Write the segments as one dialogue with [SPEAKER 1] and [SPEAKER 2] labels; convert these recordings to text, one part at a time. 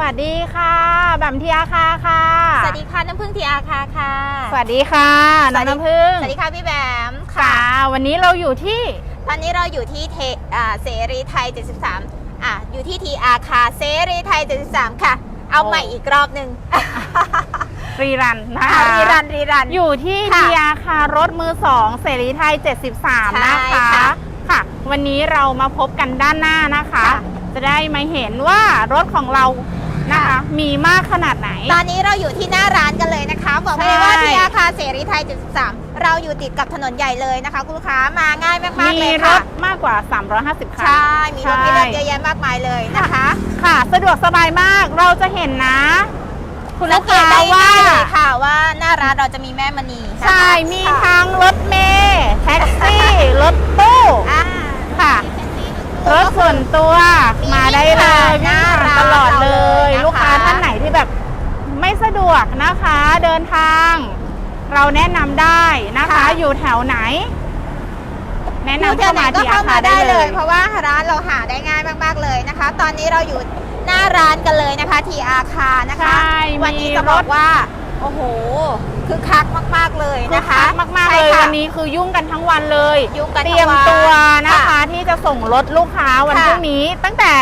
[SPEAKER 1] วัสดีค่ะแบมทีอาคาค่ะ
[SPEAKER 2] สวัสดีค่ะน้ำพึ่งทีอาคาค่ะ
[SPEAKER 1] สวัสดีค่ะน้ำพึ่ง
[SPEAKER 2] สวัสดีค่ะพี่แบม
[SPEAKER 1] ค่ะวันนี้เราอยู่ที่
[SPEAKER 2] ตอนนี้เราอยู่ที่เสรีไทย73อยู่ที่ทีอาคาเสรีไทย73ค่ะเอาใหม่อีกรอบหนึ่ง
[SPEAKER 1] รีรันนะคะ
[SPEAKER 2] รีรัน
[SPEAKER 1] อยู่ที่ทีอาคารถมือ2เสรีไทย73นะคะค่ะวันนี้เรามาพบกันด้านหน้านะคะจะได้มาเห็นว่ารถของเรานะคะมีมากขนาดไหน
[SPEAKER 2] ตอนนี้เราอยู่ที่หน้าร้านกันเลยนะคะบอกเลยว่าที่อาคารเสรีไทย73เราอยู่ติดกับถนนใหญ่เลยนะคะคุณลูกค้ามาง่ายมากๆเลยค่ะ
[SPEAKER 1] มีรถมากกว่า350คัน
[SPEAKER 2] ใช่มีรถให้เลือกเยอะแยะมากมายเลยนะคะ
[SPEAKER 1] ค่ะสะดวกสบายมากเราจะเห็นนะคุณลูกค้า
[SPEAKER 2] ว่าหน้าร้านเราจะมีแม่มณี
[SPEAKER 1] ใช่มีทั้งรถเมล์แท็กซี่รถตู้ค่ะรถส่วนตัวมาได้เลยหน้าร้านตลอดเลยลูกค้าท่านไหนที่แบบไม่สะดวกนะคะเดินทางเราแนะนำได้นะคะอยู่แถวไหนแนะนำเข้ามาที่อาคารได้เลย
[SPEAKER 2] เพราะว่าร้านเราหาได้ง่ายมากๆเลยนะคะตอนนี้เราอยู่หน้าร้านกันเลยนะคะที่อาคารนะคะวันนี้จะบอกว่าโอ้โหคือคักมากๆเลยนะคะ
[SPEAKER 1] มากๆเลยวันนี้คือยุ่งกันทั้งวันเลยเตรียมตัวนะคะที่จะส่งรถลูกค้าวันพรุ่งนี้ตั้งแต่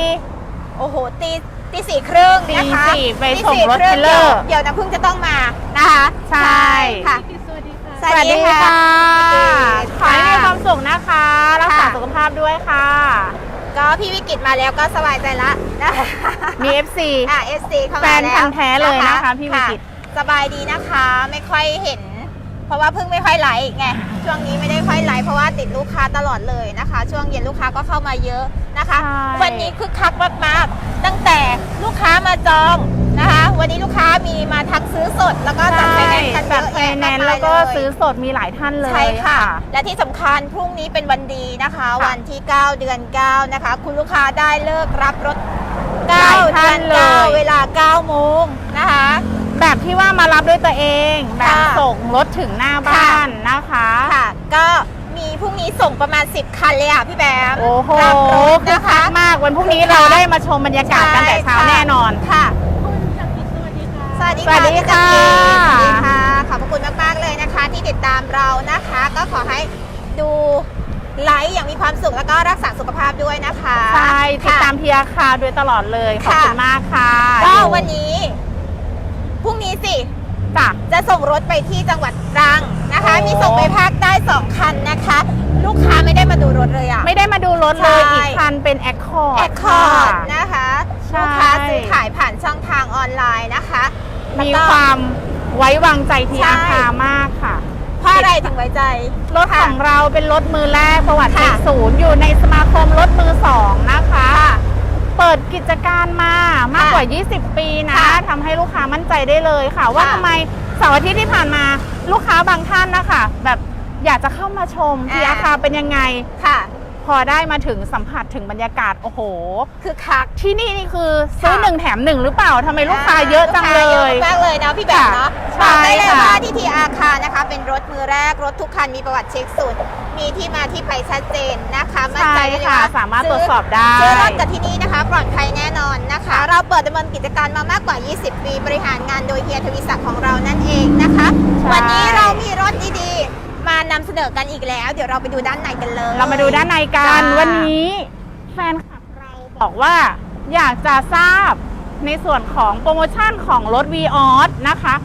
[SPEAKER 2] ตี 4:30นะคะ
[SPEAKER 1] ตี 4ไปส่งรถเทเลอร์
[SPEAKER 2] เดี๋ยวน้ำพึ่งจะต้องมานะคะ
[SPEAKER 1] ใช่
[SPEAKER 2] ค่ะ
[SPEAKER 1] สวัสดีค่ะขอให้มีความสุขนะคะรักษาสุขภาพด้วยค่ะ
[SPEAKER 2] ก็พี่วิกฤตมาแล้วก็สบายใจละ
[SPEAKER 1] มี FC
[SPEAKER 2] FC เข้ามา
[SPEAKER 1] แล้วแฟนพันธุ์แท้เลยนะคะพี่วิกฤต
[SPEAKER 2] สบายดีนะคะไม่ค่อยเห็นเพราะว่าเพิ่งไม่ค่อยไลฟ์ไงช่วงนี้ไม่ได้ค่อยไลฟ์เพราะว่าติดลูกค้าตลอดเลยนะคะช่วงเย็นลูกค้าก็เข้ามาเยอะนะคะวันนี้คึกคักมากๆตั้งแต่ลูกค้ามาจองนะคะวันนี้ลูกค้ามีมาทักซื้อสดแล้วก็จัดไฟแนนซ์กันเยอะแยะมากมายเลย
[SPEAKER 1] แล้วก็ซื้อสดมีหลายท่านเลย
[SPEAKER 2] ใช่ค่ะและที่สำคัญพรุ่งนี้เป็นวันดีนะคะวันที่9 เดือน 9นะคะคุณลูกค้าได้เลิกรับรถ9 เดือน 9เวลา 9 โมงนะคะ
[SPEAKER 1] แบบที่ว่ามารับด้วยตัวเองแบบส่งรถถึงหน้าบ้านนะคะ
[SPEAKER 2] ค่ะก็มีพรุ่งนี้ส่งประมาณ10 คันเลยอ่ะพี่แบม
[SPEAKER 1] โอ้โหนะคะมากวันพรุ่งนี้เราได้มาชมบรรยากาศกันแต่เช้าแน่นอน
[SPEAKER 2] ค่ะสวัสดีค่ะขอบคุณมากๆเลยนะคะที่ติดตามเรานะคะก็ขอให้ดูไลฟ์อย่างมีความสุขแล้วก็รักษาสุขภาพด้วยนะคะ
[SPEAKER 1] ใช่ติดตามทีอาคาโดยตลอดเลยขอบคุณมากค่ะ
[SPEAKER 2] ก็วันนี้พรุ่งนี้สิจะส่งรถไปที่จังหวัดตรังนะคะมีส่งไปภาคใต้2 คันนะคะลูกค้าไม่ได้มาดูรถเลยอ่ะ
[SPEAKER 1] ไม่ได้มาดูรถเลยอีกคันเป็นแอคคอร์
[SPEAKER 2] ดนะคะลูกค้าซื้อขายผ่านช่องทางออนไลน์นะคะ
[SPEAKER 1] มีความไว้วางใจทีอาคามากค่ะ
[SPEAKER 2] เพราะอะไรถึงไว้ใจ
[SPEAKER 1] รถของเราเป็นรถมือแรกประวัติเลข0อยู่ในสมาคมรถมือ2นะคะเปิดกิจการมามากกว่า20 ปีนะทำให้ลูกค้ามั่นใจได้เลยค่ะว่าทำไมเสาร์อาทิตย์ที่ผ่านมาลูกค้าบางท่านนะคะแบบอยากจะเข้ามาชมที่อาคารเป็นยังไง
[SPEAKER 2] ค่ะ
[SPEAKER 1] พอได้มาถึงสัมผัสถึงบรรยากาศโอ้โห
[SPEAKER 2] คือคัก
[SPEAKER 1] ที่นี่คือซื้อ1 แถม 1หรือเปล่าทำไมลูกค้าเยอะจังเลย
[SPEAKER 2] เยอะมากเลยนะพี่แบบเนาะบอกได้เลยว่าที่ทีอาคารนะคะเป็นรถมือแรกรถทุกคันมีประวัติเช็คศูนย์มีที่มาที่ไปชัดเจนนะคะมั่นใจเลย
[SPEAKER 1] ค่ะสามารถตรวจสอบได้
[SPEAKER 2] ซื้อรถกับที่นี่นะคะปลอดภัยแน่นอนนะคะเราเปิดดำเนินกิจการมามากกว่า20 ปีบริหารงานโดยเฮียทวีศักดิ์ของเรานั่นเองนะคะวันนี้เรามีรถดีๆมานำเสนอกันอีกแล้วเดี๋ยวเราไปดูด้านในกันเลย
[SPEAKER 1] เรามาดูด้านในกันวันนี้แฟนคลับเราบอกว่าอยากจะทราบในส่วนของโปรโมชั่นของรถ Vios นะคะ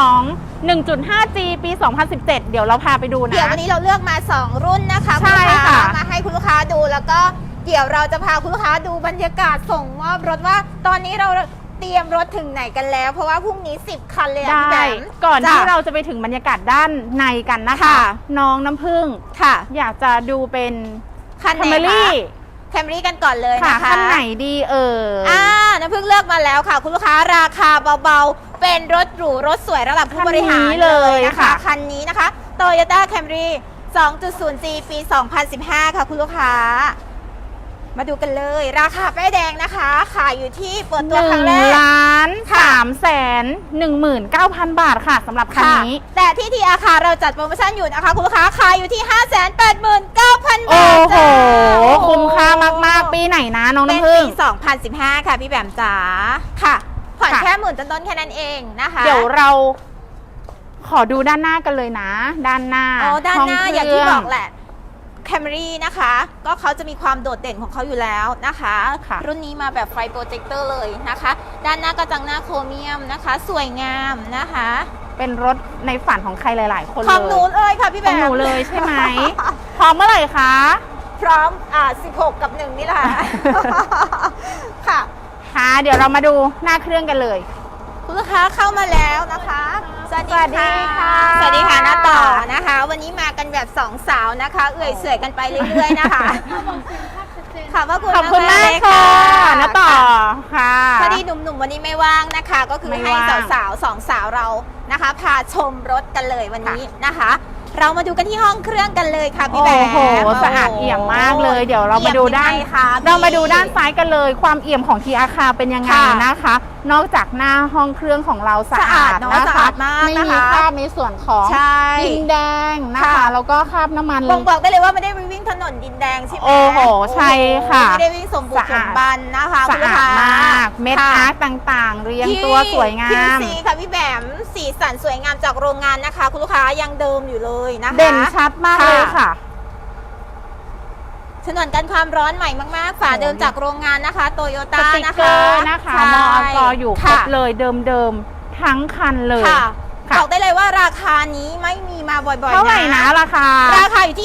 [SPEAKER 1] 1.5G ปี 2017เดี๋ยวเราพาไปดูนะ
[SPEAKER 2] เดี๋ยววันนี้เราเลือกมา2รุ่นนะคะ
[SPEAKER 1] ใช่ค่ะ
[SPEAKER 2] มาให้คุณลูกค้าดูแล้วก็เดี๋ยวเราจะพาคุณลูกค้าดูบรรยากาศส่งมอบรถว่าตอนนี้เราเตรียมรถถึงไหนกันแล้วเพราะว่าพรุ่งนี้10 คันเลย
[SPEAKER 1] พี่แบมก่อนที่เราจะไปถึงบรรยากาศด้านในกันนะคะน้องน้ำผึ้ง
[SPEAKER 2] ค่ะ
[SPEAKER 1] อยากจะดูเป็น
[SPEAKER 2] คันไหนแคมรี่กันก่อนเลยนะคะ
[SPEAKER 1] คันไหนดี
[SPEAKER 2] น้ำผึ้งเลือกมาแล้วค่ะคุณลูกค้าราคาเบาๆเป็นรถหรูรถสวยระดับผู้บริหารเลยนะคะคันนี้นะคะ Toyota Camry 2.0G ปี 2015ค่ะคุณลูกค้ามาดูกันเลย ราคาป้ายแดงนะคะ ขายอยู่ที่เปิดตัวครั้งแรก
[SPEAKER 1] 1,339,000 บาทค่ะสำหรับคันนี้
[SPEAKER 2] แต่ที่ทีอาคาเราจัดโปรโมชั่นอยู่นะคะคุณลูกค้าขายอยู่ที่ 589,000
[SPEAKER 1] โอ้
[SPEAKER 2] บาท
[SPEAKER 1] โห คุ้มค่ามากๆ ปีไหนนะน้อง
[SPEAKER 2] เป็น
[SPEAKER 1] น้ำพึ่
[SPEAKER 2] ปี
[SPEAKER 1] ง
[SPEAKER 2] 2015 ค่ะพี่แบมจ๋าค่ะ ผ่อน
[SPEAKER 1] ค่ะ
[SPEAKER 2] แค่10,000ต้นๆแค่นั้นเองนะคะ
[SPEAKER 1] เดี๋ยวเราขอดูด้านหน้ากันเลยนะ ด้านหน้า
[SPEAKER 2] ด้านหน้า
[SPEAKER 1] ห้เครื่
[SPEAKER 2] อย่างที่บอกแหละ Camry นะคะ ก็เขาจะมีความโดดเด่นของเขาอยู่แล้วนะคะ
[SPEAKER 1] ค่ะ
[SPEAKER 2] รุ่นนี้มาแบบไฟโปรเจคเตอร์เลยนะคะ ด้านหน้ากระจังหน้าโครเมียมนะคะ สวยงามนะคะ
[SPEAKER 1] เป็นรถในฝันของใครหลาย ๆ คนเลย
[SPEAKER 2] ของหนูเลยค่ะพี่
[SPEAKER 1] ข
[SPEAKER 2] แบ
[SPEAKER 1] อง
[SPEAKER 2] ม
[SPEAKER 1] หนูเลยใช่ไหม พร้อมเมื่อไหร่คะ
[SPEAKER 2] พร้อม16 กับ 1 นี่แหละ ค่ะ
[SPEAKER 1] ค่ะ เดี๋ยวเรามาดูหน้าเครื่องกันเลย
[SPEAKER 2] คุณลูกค้าเข้ามาแล้วนะคะ สวัสดีค่ะ
[SPEAKER 1] สวัสดีค่ะ
[SPEAKER 2] หน้าต่อนะคะ วันนี้มากันแบบ2สาวนะคะ เอื่อยเสื่อยกันไปเรื่อยๆนะคะขอบพระคุณ
[SPEAKER 1] ขอบคุณ
[SPEAKER 2] มาม
[SPEAKER 1] าก ก
[SPEAKER 2] เลย
[SPEAKER 1] ค่ะน้าต่อค่ะ
[SPEAKER 2] พอดีหนุ่มๆวันนี้ไม่ว่างนะคะ ก็คือ
[SPEAKER 1] ไม่
[SPEAKER 2] ให้
[SPEAKER 1] ว่าง
[SPEAKER 2] สาวๆ2สาวเรานะคะ พาชมรถกันเลยวันนี้นะคะ เรามาดูกันที่ห้องเครื่องกันเลยค่ะพี่แบ
[SPEAKER 1] โอ้
[SPEAKER 2] ม
[SPEAKER 1] โหสะอาดเอี่ยมมากเลย เดี๋ยวเรามาดูด้าน
[SPEAKER 2] เอี่ยมยังไงคะพี่
[SPEAKER 1] เรามาดูด้านซ้ายกันเลย ความเอี่ยมของทีอาคาเป็นยังไง
[SPEAKER 2] ค่ะ
[SPEAKER 1] นะคะ นอกจากหน้าห้องเครื่องของเราสะ
[SPEAKER 2] สะอา
[SPEAKER 1] อา
[SPEAKER 2] ด
[SPEAKER 1] ด
[SPEAKER 2] เนอะ
[SPEAKER 1] นะ
[SPEAKER 2] สะ
[SPEAKER 1] คะ
[SPEAKER 2] อาดมาก
[SPEAKER 1] ไม่
[SPEAKER 2] นะ
[SPEAKER 1] มี
[SPEAKER 2] คะ
[SPEAKER 1] คราบในส่วนของ
[SPEAKER 2] ใช่
[SPEAKER 1] ดินแดงนะคะ
[SPEAKER 2] ค่ะ
[SPEAKER 1] แล้วก็คราบน้ำมัน
[SPEAKER 2] บ่งบอกได้เลยว่าไม่ได้วิ่งถนนดินแดงใช่ไหม
[SPEAKER 1] โอ้โหใช่ค่ะ
[SPEAKER 2] ไม่ได้วิ่งสมบุกสมบันนะคะ
[SPEAKER 1] สะ
[SPEAKER 2] คุณลูก
[SPEAKER 1] อาด
[SPEAKER 2] ค้
[SPEAKER 1] มากเม็ด
[SPEAKER 2] ค่ะ
[SPEAKER 1] อาร์ตต่างๆ เรียงตัวสวยงา
[SPEAKER 2] ผิว
[SPEAKER 1] ม
[SPEAKER 2] สีค่ะพี่แบมสีสันสวยงามจากโรงงานนะคะ คุณลูกค้ายังเดิมอยู่เลยนะคะ
[SPEAKER 1] เด่นชัดมากเลยค่ะ
[SPEAKER 2] ฉนวนกันความร้อนใหม่มากๆ ฝาเดิมจากโรงงานนะคะโตโย
[SPEAKER 1] ส
[SPEAKER 2] ต้า
[SPEAKER 1] ติก
[SPEAKER 2] นะ
[SPEAKER 1] เก
[SPEAKER 2] คะ
[SPEAKER 1] อร์นะคะ
[SPEAKER 2] ใช่
[SPEAKER 1] มอกอยู่ครบ
[SPEAKER 2] ค่ะ
[SPEAKER 1] เลยเดิมๆทั้งคันเลย
[SPEAKER 2] ค่ะ
[SPEAKER 1] ค่ะ
[SPEAKER 2] บอกได้เลยว่าราคานี้ไม่มีมาบ่อยๆ
[SPEAKER 1] เท่าไหร่นะราคา
[SPEAKER 2] ราคาอยู่ที่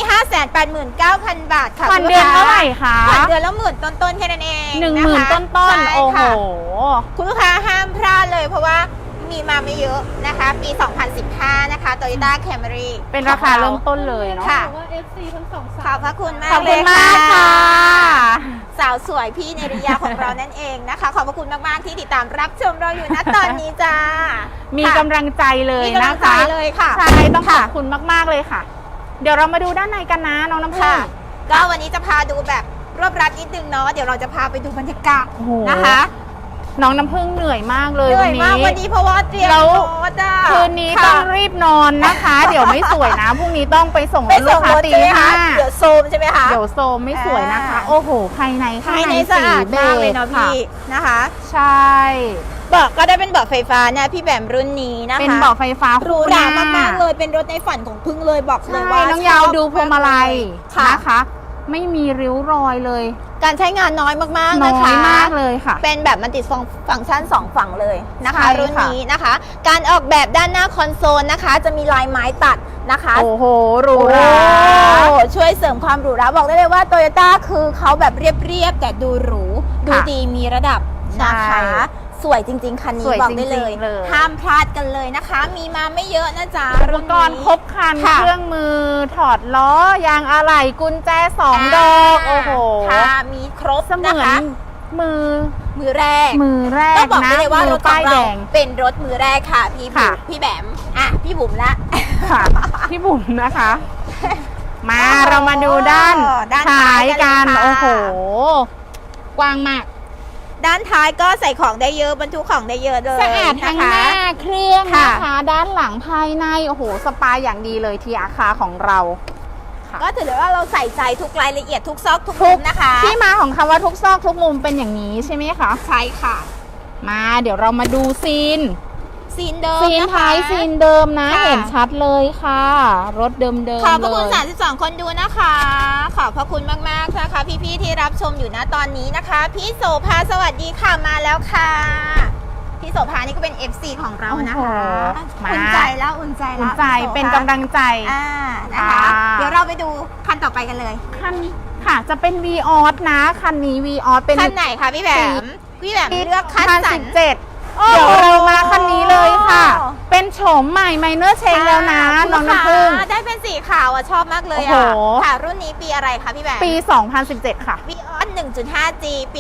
[SPEAKER 2] 589,000 บาทค่ะ
[SPEAKER 1] ผ่อน
[SPEAKER 2] คุณ
[SPEAKER 1] เดื
[SPEAKER 2] ลู
[SPEAKER 1] อน
[SPEAKER 2] กค้
[SPEAKER 1] เท่าไหร่คะ
[SPEAKER 2] ผ่อนเดือนละ10,000ต้นๆแค่นั้นเอง
[SPEAKER 1] 10,000 ต้น
[SPEAKER 2] ใช่
[SPEAKER 1] ๆโอ้โห
[SPEAKER 2] ค่ะ คุณลูกค้าห้ามพลาดเลยเพราะว่ามีมาไม่เยอะนะคะ ปี 2015 นะคะ Toyota Camry
[SPEAKER 1] เป็นราคาเริ่มต้นเลยเนาะ
[SPEAKER 2] ค่ะ
[SPEAKER 3] ว่า FC ทั้งสอง
[SPEAKER 2] ข
[SPEAKER 3] สา
[SPEAKER 2] อบ
[SPEAKER 3] ว
[SPEAKER 2] พระคุณมาก
[SPEAKER 1] ขอบ
[SPEAKER 2] เล
[SPEAKER 1] คุณ
[SPEAKER 2] ย
[SPEAKER 1] มากค่ะ
[SPEAKER 2] สาวสวยพี่เนริยาของเรานั่นเองนะคะ ขอบพระคุณมากๆที่ติดตามรับชมเราอยู่ณตอนนี้จ้า
[SPEAKER 1] มี
[SPEAKER 2] ค่ะ
[SPEAKER 1] กำลังใจเลย
[SPEAKER 2] มีกำลั
[SPEAKER 1] นะ
[SPEAKER 2] งใจ
[SPEAKER 1] คะ
[SPEAKER 2] เลยค่ะ
[SPEAKER 1] ใช่ต้องขอบคุณมากๆเลยค่ะ เดี๋ยวเรามาดูด้านในกันนะน้องน้ำพึ่
[SPEAKER 2] ค่ะ
[SPEAKER 1] ง
[SPEAKER 2] ก็วันนี้จะพาดูแบบรวบรัดนิดนึงเนาะ เดี๋ยวเราจะพาไปดูบรรยากาศ
[SPEAKER 1] โอ้โห
[SPEAKER 2] นะคะ
[SPEAKER 1] น้องน้ำพึ่งเหนื่อยมากเลย
[SPEAKER 2] เหนื่
[SPEAKER 1] วั
[SPEAKER 2] อย
[SPEAKER 1] น
[SPEAKER 2] มาก
[SPEAKER 1] นี้
[SPEAKER 2] วันนี้เพราะว่าเตรียม
[SPEAKER 1] แล้ว
[SPEAKER 2] รถอะ
[SPEAKER 1] คืนนี้
[SPEAKER 2] ค่ะ
[SPEAKER 1] ต้องรีบนอนนะคะ เดี๋ยวไม่สวยนะพรุ่งนี้ต้องไปส่ง
[SPEAKER 2] ไป
[SPEAKER 1] ลู
[SPEAKER 2] ส่
[SPEAKER 1] ก
[SPEAKER 2] ง
[SPEAKER 1] ค้าร
[SPEAKER 2] ถ
[SPEAKER 1] ตี
[SPEAKER 2] ใช่ไหม
[SPEAKER 1] ห้า
[SPEAKER 2] คะเดี๋ยวโซมใช่ไหมคะ
[SPEAKER 1] เดี๋ยวโซมไม่สวยนะคะ
[SPEAKER 2] อ่า
[SPEAKER 1] โอ้โหภายในข้าง
[SPEAKER 2] ภาย
[SPEAKER 1] ใน
[SPEAKER 2] ในสะอาด
[SPEAKER 1] สี
[SPEAKER 2] มากเลยเนาะ
[SPEAKER 1] บจค่
[SPEAKER 2] พี่นะคะ
[SPEAKER 1] ใช่
[SPEAKER 2] เบาะก็ได้เป็นเบาะไฟฟ้าเนี่ยพี่แบมรุ่นนี้นะคะ
[SPEAKER 1] เป็นเบาะไฟฟ้า
[SPEAKER 2] หรูหรามากๆเลยเป็นรถในฝันของพึ่งเลยบอกเลย
[SPEAKER 1] ใช่
[SPEAKER 2] ว่า
[SPEAKER 1] น้องยาวดูพวงมาลัย
[SPEAKER 2] ค่ะ
[SPEAKER 1] นะคะ ไม่มีริ้วรอยเลย
[SPEAKER 2] การใช้งานน้อยมากๆ
[SPEAKER 1] น้
[SPEAKER 2] นะ
[SPEAKER 1] อ
[SPEAKER 2] คะ
[SPEAKER 1] ยมากเลยค่ะ
[SPEAKER 2] เป็นแบบมันติดฟังก์ชัน2 ฝั่งเลยนะคะ
[SPEAKER 1] ใช่ค่ะ
[SPEAKER 2] รุ่นนี้นะคะ การออกแบบด้านหน้าคอนโซลนะคะ จะมีลายไม้ตัดนะคะ
[SPEAKER 1] โอ้โหหรูหรา
[SPEAKER 2] โอ้ช่วยเสริมความหรูหราบอกได้เลยว่าโตโยต้าคือเขาแบบเรียบๆแต่ดูหรูดูดีมีระดับนะคะ
[SPEAKER 1] ใช่
[SPEAKER 2] สวยจริง ๆ คันนี้
[SPEAKER 1] สวย
[SPEAKER 2] บอกได้เลย
[SPEAKER 1] จริงๆเลย
[SPEAKER 2] ห้ามพลาดกันเลยนะคะ มีมาไม่เยอะนะจ๊ะ
[SPEAKER 1] อุปกรณ์ครบครัน
[SPEAKER 2] ค่ะ
[SPEAKER 1] เครื่องมือถอดล้อยางอะไหล่กุญแจ2 ดอกโอ้โห
[SPEAKER 2] ค่ะมีครบ
[SPEAKER 1] เสมื
[SPEAKER 2] นะ
[SPEAKER 1] อน
[SPEAKER 2] คะ
[SPEAKER 1] มือ
[SPEAKER 2] มือแรก
[SPEAKER 1] มือแร
[SPEAKER 2] ต้อก งบอก
[SPEAKER 1] นะ
[SPEAKER 2] ได้เลยว่าร
[SPEAKER 1] มื
[SPEAKER 2] ถ
[SPEAKER 1] อ
[SPEAKER 2] ขอ
[SPEAKER 1] ป้าง ยแด
[SPEAKER 2] เรา
[SPEAKER 1] ง
[SPEAKER 2] เป็นรถมือแรกค่ะพี่
[SPEAKER 1] ค่ะ
[SPEAKER 2] พี่แบมอ่ะพี่บุ๋มละ
[SPEAKER 1] ค่ะพี่บุ๋มนะคะ มา
[SPEAKER 2] โอ้โห
[SPEAKER 1] เรามาดูด้าน
[SPEAKER 2] ด้าน
[SPEAKER 1] ท้า
[SPEAKER 2] ท้าย
[SPEAKER 1] ย
[SPEAKER 2] กั
[SPEAKER 1] กัน น
[SPEAKER 2] เลยค่ะ
[SPEAKER 1] โอ้โห กว้างมาก
[SPEAKER 2] ด้านท้ายก็ใส่ของได้เยอะบรรทุกของได้เยอะเลย
[SPEAKER 1] สะอาดทั้งห
[SPEAKER 2] นะคะ
[SPEAKER 1] น้าเครื่อง
[SPEAKER 2] ค่ะ
[SPEAKER 1] นะคะ ด้านหลังภายในโอ้โหสปาอย่างดีเลยทีอาคาของเราค่ะ
[SPEAKER 2] ก็ถือได้ว่าเราใส่ใจทุกรายละเอียดทุกซอกทุกมุมนะคะ
[SPEAKER 1] ที่มาของคำว่าทุกซอกทุกมุมเป็นอย่างนี้ใช่ไหมคะ
[SPEAKER 2] ใช่ค่ะ
[SPEAKER 1] มาเดี๋ยวเรามาดูซีน
[SPEAKER 2] ซีนเดิม
[SPEAKER 1] ซีน
[SPEAKER 2] นะคะ
[SPEAKER 1] ท้ายซีนเดิมนะ
[SPEAKER 2] ค่ะ
[SPEAKER 1] เห็นชัดเลยค่ะ รถเดิมๆ
[SPEAKER 2] ขอบพระคุณ
[SPEAKER 1] เลย
[SPEAKER 2] 32 คนดูนะคะ ขอบพระคุณมากๆนะคะพี่ๆที่รับชมอยู่นะตอนนี้นะคะ พี่โสภาสวัสดีค่ะมาแล้วค่ะ พี่โสภานี่ก็เป็น FC ของเรานะคะ
[SPEAKER 1] โอ้โหมา
[SPEAKER 2] อุ่นใจแล้วอุ่นใจ
[SPEAKER 1] อุ่
[SPEAKER 2] แล้
[SPEAKER 1] น
[SPEAKER 2] ว
[SPEAKER 1] ใจ
[SPEAKER 2] พี่โสภา
[SPEAKER 1] เป็นกำลังใจ
[SPEAKER 2] นะคะ
[SPEAKER 1] ค่ะ
[SPEAKER 2] เดี๋ยวเราไปดูคันต่อไปกันเลย
[SPEAKER 1] คันค่ะจะเป็น v ีออสนะ คันนี้ v ีออสเป็น
[SPEAKER 2] คันไหนคะพี่แบมพี่แบมเลือกคันสัน
[SPEAKER 1] 17 เดี๋ยวเรามาคันนี้เลยค่ะ เป็นโฉมใหม่ไมเนอร์เชงแล้วนะน้องน้ำพึ่ง
[SPEAKER 2] ได้เป็นสีขาวอ่ะชอบมากเลย
[SPEAKER 1] โอ้
[SPEAKER 2] อ่ะ
[SPEAKER 1] โห
[SPEAKER 2] ค่ะ รุ่นนี้ปีอะไรคะพี่แบม
[SPEAKER 1] ปี 2017 ค่ะ
[SPEAKER 2] วีออส 1.5G ปี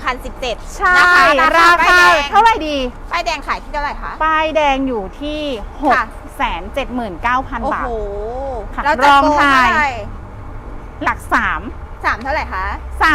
[SPEAKER 2] 2017
[SPEAKER 1] ใช่
[SPEAKER 2] นะคะ
[SPEAKER 1] ราคาเท่าไหร่ดี
[SPEAKER 2] ป้ายแดงขายที่เท่าไหร่คะ
[SPEAKER 1] ป้ายแดงอยู่ที่
[SPEAKER 2] ค่ะ
[SPEAKER 1] 679,000
[SPEAKER 2] โอ้
[SPEAKER 1] บาท
[SPEAKER 2] โห
[SPEAKER 1] ค่ะ
[SPEAKER 2] เรา
[SPEAKER 1] ร
[SPEAKER 2] จะ
[SPEAKER 1] อง
[SPEAKER 2] โกง
[SPEAKER 1] ท้าย
[SPEAKER 2] เท่าไหร่
[SPEAKER 1] หลัก 3
[SPEAKER 2] 3 เท่าไหร่คะ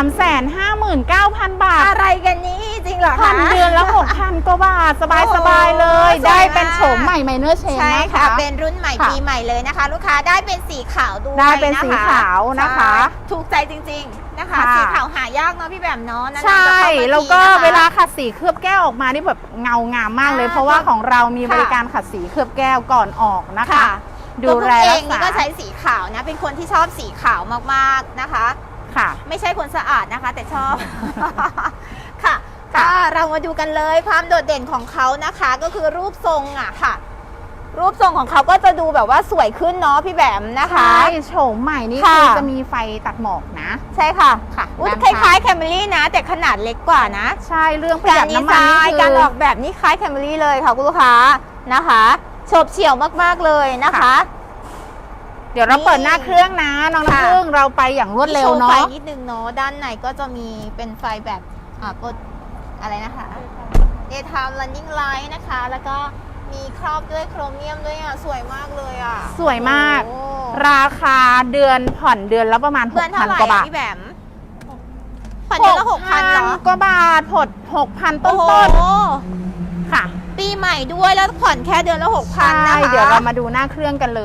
[SPEAKER 1] 359,000 บาท
[SPEAKER 2] อะไรกันนี่จริงเหรอ
[SPEAKER 1] ผ่อ
[SPEAKER 2] คะ
[SPEAKER 1] นเดือนละ 6,000 กว่าบาท สบายๆเลย
[SPEAKER 2] สวยมาก
[SPEAKER 1] ได้เป็นโฉมใหม่ไมเนอร์เชน
[SPEAKER 2] ใช่
[SPEAKER 1] นะ
[SPEAKER 2] ค่ะ
[SPEAKER 1] คะ
[SPEAKER 2] เป็นรุ่นใหม่
[SPEAKER 1] ค่ะ
[SPEAKER 2] ปีใหม่เลยนะคะ ลูกค้าได้เป็นสีขาวด้วย
[SPEAKER 1] ได้เป็นสีขาวนะคะ
[SPEAKER 2] ใช่ถูกใจจริงๆนะคะ
[SPEAKER 1] ค่ะ
[SPEAKER 2] สีขาวหายากเนาะพี่แบมเนาะนานๆ
[SPEAKER 1] ใช่
[SPEAKER 2] จะเข้ามา
[SPEAKER 1] แล้วก็
[SPEAKER 2] ทีนะคะ
[SPEAKER 1] เวลาขัดสีเคลือบแก้วออกมานี่แบบเงางามมากเลย
[SPEAKER 2] อ่า
[SPEAKER 1] เพราะว่าของเรามี
[SPEAKER 2] ค่ะ
[SPEAKER 1] บริการขัดสีเคลือบแก้วก่อนออกนะคะ
[SPEAKER 2] ค่ะ
[SPEAKER 1] ดูแล
[SPEAKER 2] ตัว
[SPEAKER 1] รั
[SPEAKER 2] เอก งนี่
[SPEAKER 1] ษา
[SPEAKER 2] ก็ใช้สีขาวนะ เป็นคนที่ชอบสีขาวมากๆนะคะ
[SPEAKER 1] ค่ะ
[SPEAKER 2] ไม่ใช่คนสะอาดนะคะ แต่ชอบ ค่ะ
[SPEAKER 1] ค่ะ
[SPEAKER 2] ก็เรามาดูกันเลยความโดดเด่นของเขานะคะ ก็คือรูปทรงอะค่ะ รูปทรงของเขาก็จะดูแบบว่าสวยขึ้นเนาะพี่แบมนะคะ
[SPEAKER 1] ใช่โฉมใหม่นี่
[SPEAKER 2] ค่ะ
[SPEAKER 1] คือจะมีไฟตัดหมอกนะ
[SPEAKER 2] ใช่ค่ะ
[SPEAKER 1] ค่ะ
[SPEAKER 2] อุ๊ย
[SPEAKER 1] ด้าน
[SPEAKER 2] ค
[SPEAKER 1] ข้าง
[SPEAKER 2] ล้ายๆแคมรี่นะ แต่ขนาดเล็กกว่านะ
[SPEAKER 1] ใช่เรื่องประห
[SPEAKER 2] กา
[SPEAKER 1] ยั
[SPEAKER 2] ร
[SPEAKER 1] ด
[SPEAKER 2] ดี
[SPEAKER 1] น้ำ
[SPEAKER 2] ไซ
[SPEAKER 1] มันนี่
[SPEAKER 2] น์
[SPEAKER 1] คือ
[SPEAKER 2] การออกแบบนี่คล้ายแคมรี่เลยค่ะคุณลูกค้านะคะโฉบเฉี่ยวมากๆเลยนะคะ
[SPEAKER 1] เดี๋ยวเราเปิดหน้าเครื่องนะน้อง
[SPEAKER 2] ค่ะ
[SPEAKER 1] น้ำพึ่งเราไปอย่างรวดเร็ว
[SPEAKER 2] โชไฟ
[SPEAKER 1] เนาะ
[SPEAKER 2] นิดนึงเนาะด้านในก็จะมีเป็นไฟแบบกดอะไรนะคะ daytime running light นะคะ แล้วก็มีครอบด้วยโครเมียมด้วยอ่ะสวยมากเลยอ่ะ
[SPEAKER 1] สวยมาก
[SPEAKER 2] โอ้
[SPEAKER 1] ราคาเดือนผ่อนเดือนละประมาณ
[SPEAKER 2] เดือนเท่าไหร่
[SPEAKER 1] 6,000 กว่าบาท
[SPEAKER 2] พี่แบมผ่อนเดือนละ6,000เหรอ
[SPEAKER 1] กว่าบาทผ่อน6,000 ต้
[SPEAKER 2] โอ้
[SPEAKER 1] น
[SPEAKER 2] โห
[SPEAKER 1] ๆค่ะ
[SPEAKER 2] ปีใหม่ด้วยแล้วผ่อนแค่เดือนละ6,000
[SPEAKER 1] ใช่
[SPEAKER 2] นะคะ
[SPEAKER 1] เดี๋ยวเรามาดูหน้าเครื่องกันเลย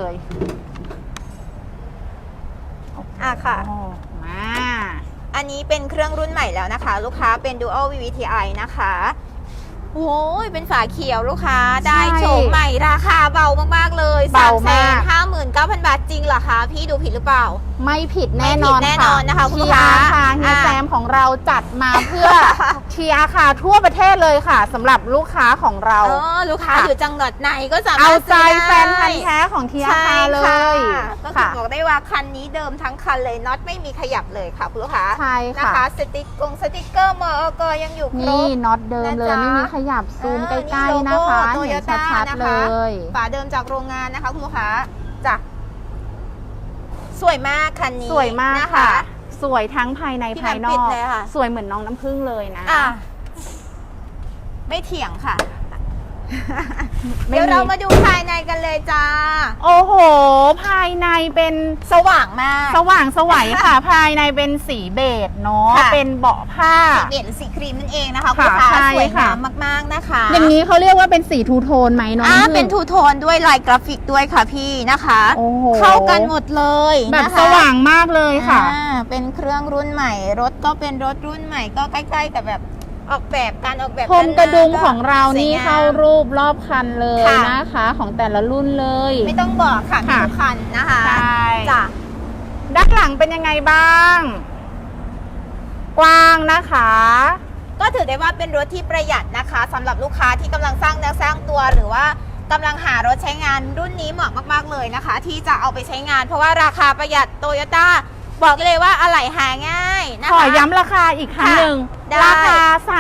[SPEAKER 2] อ่ะค่ะ
[SPEAKER 1] โอ้มา
[SPEAKER 2] อันนี้เป็นเครื่องรุ่นใหม่แล้วนะคะ ลูกค้าเป็น Dual VVTi นะคะโอ้ยเป็นฝาเขียวลูกค้าได้โฉมใหม่ราคาเบามากๆเลย
[SPEAKER 1] เบามาก
[SPEAKER 2] 359,000 บาทจริงเหรอคะพี่ดูผิดหรือเปล่า
[SPEAKER 1] ไม่ผิดแน่นอน
[SPEAKER 2] ไม่ผิดแน่นอนนะคะคุณลูกค้า
[SPEAKER 1] ค่ะเฮีย
[SPEAKER 2] อ่ะ
[SPEAKER 1] แซมของเราจัดมาเพื่อ เชียร์ค่ะทั่วประเทศเลยค่ะสำหรับลูกค้าของเรา
[SPEAKER 2] ลูกค้า
[SPEAKER 1] ค่ะ
[SPEAKER 2] อยู่จังหวัดไหนก็สามาร
[SPEAKER 1] เอา
[SPEAKER 2] ถ
[SPEAKER 1] ใจ
[SPEAKER 2] ซื้อ
[SPEAKER 1] แฟ
[SPEAKER 2] ได้
[SPEAKER 1] นพันธ์แท้ของเทีย
[SPEAKER 2] ใช่
[SPEAKER 1] คาเล
[SPEAKER 2] ค่ะ
[SPEAKER 1] ย
[SPEAKER 2] ก็คือ
[SPEAKER 1] ค่ะ
[SPEAKER 2] บอกได้ว่าคันนี้เดิมทั้งคันเลยน็อตไม่มีขยับเลยค่ะคุณลูกค้า
[SPEAKER 1] ใช่
[SPEAKER 2] นะ
[SPEAKER 1] ค่ะ
[SPEAKER 2] คะสติ๊กเกอร์มอกยังอยู่คร
[SPEAKER 1] นี่
[SPEAKER 2] บ
[SPEAKER 1] น็อตเดิมเลย
[SPEAKER 2] นะจ๊ะ
[SPEAKER 1] ไม่มีขยับซูมใกล้ๆ
[SPEAKER 2] โล
[SPEAKER 1] นะ
[SPEAKER 2] โก้
[SPEAKER 1] คะ
[SPEAKER 2] โตโย
[SPEAKER 1] เห็น
[SPEAKER 2] ต้า
[SPEAKER 1] ชัด
[SPEAKER 2] นะ
[SPEAKER 1] ๆเล
[SPEAKER 2] คะ
[SPEAKER 1] ย
[SPEAKER 2] ฝาเดิมจากโรงงานนะคะคุณลูกค้าจ้ะสวยมากคันนี้
[SPEAKER 1] สวยมาก
[SPEAKER 2] น
[SPEAKER 1] ค่ะ สวยทั้งภายใน
[SPEAKER 2] พี่
[SPEAKER 1] ภายน
[SPEAKER 2] แหม่มปิ
[SPEAKER 1] อ
[SPEAKER 2] ด
[SPEAKER 1] ก
[SPEAKER 2] เลยค่ะ
[SPEAKER 1] สวยเหมือนน้องน้ำผึ้งเลยนะ
[SPEAKER 2] อ่ะไม่เถียงค่ะ
[SPEAKER 1] ไม่
[SPEAKER 2] เดี๋ยว
[SPEAKER 1] มี
[SPEAKER 2] เรามาดูภายในกันเลยจ้า
[SPEAKER 1] โอ้โห ภายในเป็น
[SPEAKER 2] สว่างมาก
[SPEAKER 1] สว่างสวัยค่ะ ภายในเป็นสีเบจเนาะ
[SPEAKER 2] ค่ะ
[SPEAKER 1] เป็นเบาะผ้า
[SPEAKER 2] สีเด่นสีครีมนั่นเองนะคะ
[SPEAKER 1] ค่ะ
[SPEAKER 2] คุณลูกค้า
[SPEAKER 1] ใช่
[SPEAKER 2] สวย
[SPEAKER 1] ค่ะ
[SPEAKER 2] งามมากๆนะคะ
[SPEAKER 1] อย่างนี้เขาเรียกว่าเป็นสีทูโทนไหมน้องน้ำผึ้ง
[SPEAKER 2] เป็นทูโทนด้วยลายกราฟิกด้วยค่ะพี่นะคะ
[SPEAKER 1] โอ้โห
[SPEAKER 2] เข้ากันหมดเลย
[SPEAKER 1] แบบ
[SPEAKER 2] นะคะ
[SPEAKER 1] สว่างมากเลยค่ะ
[SPEAKER 2] เป็นเครื่องรุ่นใหม่ รถก็เป็นรถรุ่นใหม่ก็ใกล้ๆกับแบบออกแบบการออกแบบ
[SPEAKER 1] พรมกระดุมของเรา
[SPEAKER 2] สวย
[SPEAKER 1] นี่
[SPEAKER 2] งม
[SPEAKER 1] เข้ารูปรอบคันเลย
[SPEAKER 2] ค่ะ
[SPEAKER 1] นะคะ ของแต่ละรุ่นเลย
[SPEAKER 2] ไม่ต้องบอกค่ะมี
[SPEAKER 1] ค่ะ
[SPEAKER 2] ทุกคันนะคะ
[SPEAKER 1] ใช่
[SPEAKER 2] จ้ะ
[SPEAKER 1] ด้านหลังเป็นยังไงบ้าง กว้างนะคะ
[SPEAKER 2] ก็ถือได้ว่าเป็นรถที่ประหยัดนะคะสำหรับลูกค้าที่กำลังสร้างเนื้อสร้างตัวหรือว่ากำลังหารถใช้งานรุ่นนี้เหมาะมากๆเลยนะคะ ที่จะเอาไปใช้งาน เพราะว่าราคาประหยัดโตโยต้าบอกเลยว่าอะไหล่หาง่ายนะ
[SPEAKER 1] ขอ
[SPEAKER 2] คะ
[SPEAKER 1] ย้ำราคาอีกครั้งหนึ่ง
[SPEAKER 2] ได้
[SPEAKER 1] ราคา
[SPEAKER 2] ค่ะ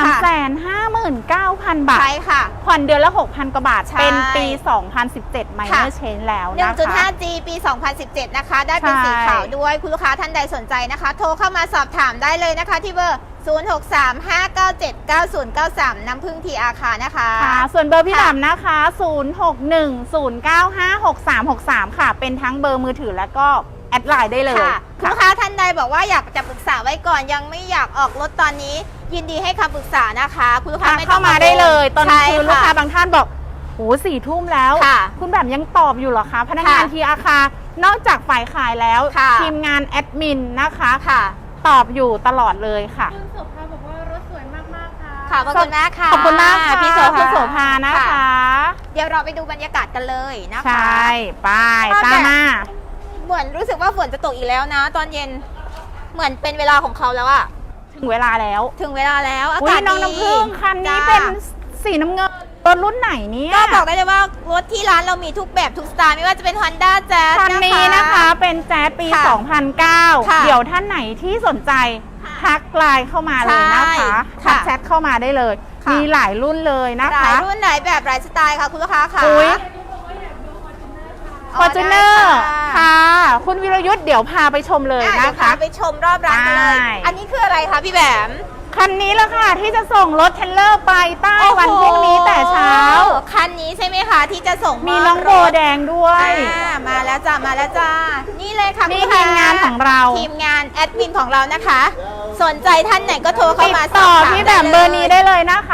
[SPEAKER 1] 359,000 บาท
[SPEAKER 2] ใช่ค่ะ
[SPEAKER 1] ผ่อนเดือนละ 6,000 กว่าบาท
[SPEAKER 2] ใช่
[SPEAKER 1] เป็นปี 2017 Minor Change แล้วนะคะ
[SPEAKER 2] 1.5G ปี 2017 นะคะ ได้เป็น
[SPEAKER 1] ใช่
[SPEAKER 2] สีขาวด้วย คุณลูกค้าท่านใดสนใจนะคะ โทรเข้ามาสอบถามได้เลยนะคะ ที่เบอร์ 0635979093 น้ำพึ่งทีอาคานะคะ
[SPEAKER 1] ค่ะ ส่วนเบอร์พี่
[SPEAKER 2] ค่ะ
[SPEAKER 1] ดำนะคะ 0610956363 ค่ะ เป็นทั้งเบอร์มือถือแล้วก็แอดไลน์ได้เลย
[SPEAKER 2] ค่ะคุณลูกค้าท่านใดบอกว่าอยากจะปรึกษาไว้ก่อนยังไม่อยากออกรถตอนนี้ ยินดีให้คำปรึกษานะคะ คุณลูกค้า
[SPEAKER 1] ค่ะ
[SPEAKER 2] ไม่ต้
[SPEAKER 1] เข้า
[SPEAKER 2] อง
[SPEAKER 1] มาได้เลย ตอน
[SPEAKER 2] ใช่
[SPEAKER 1] คือลูกค้าบางท่านบอกโอ้4 ทุ่มแล้ว
[SPEAKER 2] ค่ะ
[SPEAKER 1] คุณแบบยังตอบอยู่เหรอคะ พนักงาน
[SPEAKER 2] ค่ะ
[SPEAKER 1] ทีอาคานอกจากฝ่ายขายแล้ว
[SPEAKER 2] ค่ะ
[SPEAKER 1] ทีมงานแอดมินนะคะ
[SPEAKER 2] ค่ะ
[SPEAKER 1] ตอบอยู่ตลอดเลยค่ะ
[SPEAKER 3] คุณโสภาบอกว่ารถสวยมากๆค่ะ
[SPEAKER 2] ค่ะขอบคุณมากค่ะ
[SPEAKER 1] ขอบคุณมากค่ะ
[SPEAKER 2] พี่โสภา
[SPEAKER 1] คุณโสภานะคะ
[SPEAKER 2] เดี๋ยวเราไปดูบรรยากาศกันเลยนะคะ
[SPEAKER 1] ใช่ไป
[SPEAKER 2] ชอบ
[SPEAKER 1] ตาม
[SPEAKER 2] แบบ
[SPEAKER 1] มา
[SPEAKER 2] เหมือนรู้สึกว่าฝนจะตกอีกแล้วนะ ตอนเย็นเหมือนเป็นเวลาของเขาแล้วอะ
[SPEAKER 1] ถึงเวลาแล้ว
[SPEAKER 2] ถึงเวลาแล้วอา
[SPEAKER 1] อุ้
[SPEAKER 2] กาย ศ
[SPEAKER 1] น้อง
[SPEAKER 2] ดี
[SPEAKER 1] น้ำผึ้งคันนี้
[SPEAKER 2] จ้า
[SPEAKER 1] เป็นสีน้ำเงินรถรุ่นไหนเนี่ย
[SPEAKER 2] ก็บอกได้เลยว่ารถที่ร้านเรามีทุกแบบทุกสไตล์ไม่ว่าจะเป็น Honda Jazz
[SPEAKER 1] คันนี้นะคะเป็นแจ๊สปี
[SPEAKER 2] ค่ะ
[SPEAKER 1] 2009
[SPEAKER 2] ค่ะ
[SPEAKER 1] เดี๋ยวท่านไหนที่สนใจ
[SPEAKER 2] ค่ะ
[SPEAKER 1] ทักไลน์เข้ามาเลยนะคะ
[SPEAKER 2] ใช่
[SPEAKER 1] ทัก
[SPEAKER 2] ค่ะ
[SPEAKER 1] แชทเข้ามาได้เลย
[SPEAKER 2] ค่ะ
[SPEAKER 1] มีหลายรุ่นเลยนะ
[SPEAKER 2] หลา
[SPEAKER 1] คะ
[SPEAKER 2] ยรุ่นหลายแบบหลายสไตล์ค่ะคุณลูกค้าค่ะ
[SPEAKER 1] อุ๊ย
[SPEAKER 2] อ๋
[SPEAKER 1] ฟอ
[SPEAKER 2] อ
[SPEAKER 1] ร์จูเนอ
[SPEAKER 2] ได้
[SPEAKER 1] ร์
[SPEAKER 2] ค่ะ
[SPEAKER 1] ค่ะ คุณวิรยุทธ์เดี๋ยวพาไปชมเลย
[SPEAKER 2] เดี๋
[SPEAKER 1] นะ
[SPEAKER 2] ยว
[SPEAKER 1] คะ
[SPEAKER 2] พาไปชมรอบร้านกันเลย
[SPEAKER 1] ใช่
[SPEAKER 2] อันนี้คืออะไรคะพี่แบม
[SPEAKER 1] คันนี้แหละค่ะที่จะส่งรถเทรลเลอร์ไปใต้วันพรุ่งนี้แต่เช้า
[SPEAKER 2] คันนี้ใช่ไหมคะที่จะส่ง
[SPEAKER 1] มีน้องโบแดงด้วย
[SPEAKER 2] มาแล้วจ้ามาแล้วจ้านี่เลยค่ะ
[SPEAKER 1] นี่
[SPEAKER 2] คุณ
[SPEAKER 1] ทีมงานของเรา
[SPEAKER 2] ทีมงานแอดมินของเรานะคะ สนใจท่านไหนก็โทรเข้า
[SPEAKER 1] ติด
[SPEAKER 2] มา
[SPEAKER 1] ต่อ
[SPEAKER 2] สบถาม
[SPEAKER 1] ที่แบบเบอร์นี้ได้เลยนะคะ